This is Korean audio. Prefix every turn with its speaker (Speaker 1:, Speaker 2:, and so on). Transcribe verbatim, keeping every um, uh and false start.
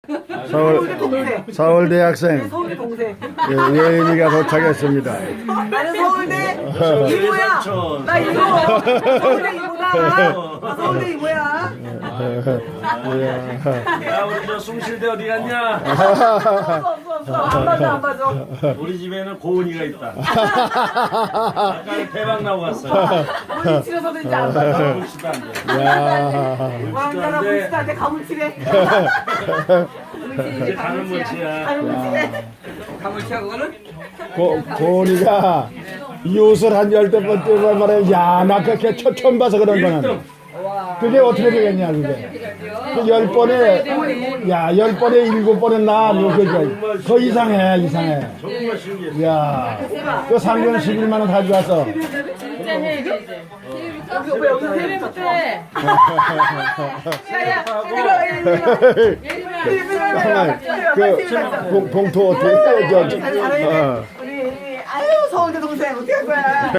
Speaker 1: 서울
Speaker 2: 동생.
Speaker 1: 서울 대학생
Speaker 2: 서울대 동생.
Speaker 1: 예, 예인이가 도착했습니다.
Speaker 2: 나는 서울대 이모야. 나 이모. 서울대 이모다. 나 서울대 이모야.
Speaker 3: 야 우리 저 숭실대 어디 갔냐?
Speaker 2: 없어 없어 없어. 안 맞아 안 맞아.
Speaker 3: 우리 집에는 고은이가 있다. 아까 대박 나고 갔어.
Speaker 2: 물리치료서도 이제 안 맞아.
Speaker 3: 물치도 안 돼.
Speaker 1: 야,
Speaker 2: 왕가라 물치한테 가물치래.
Speaker 3: 이제 가는 물치야.
Speaker 2: 가물치래.
Speaker 4: 가물치야 그거는?
Speaker 1: 고, 고은이가 이웃을 한 열댓 번 뛰고 말해. 야, 나 그렇게 처- 처음 봐서 그런 거는. 그게 어떻게 되겠냐, 그게. 그 열 번에, 야, 열 번에 일곱 번에 나, 뭐, 그, 더 이상해, 이상해.
Speaker 3: 정말 신기해.
Speaker 1: 야, 그 상금 십일만 원 가져와서.
Speaker 5: 진짜 해 이제.
Speaker 2: 여기 오빠 여기
Speaker 5: 세배부터 해.
Speaker 2: 야야 이거 이거
Speaker 1: 그, 봉- 봉투 어떻게 해? 저, 저, 어.
Speaker 2: 우리 아유 서울대 동생 어떻게 할 거야?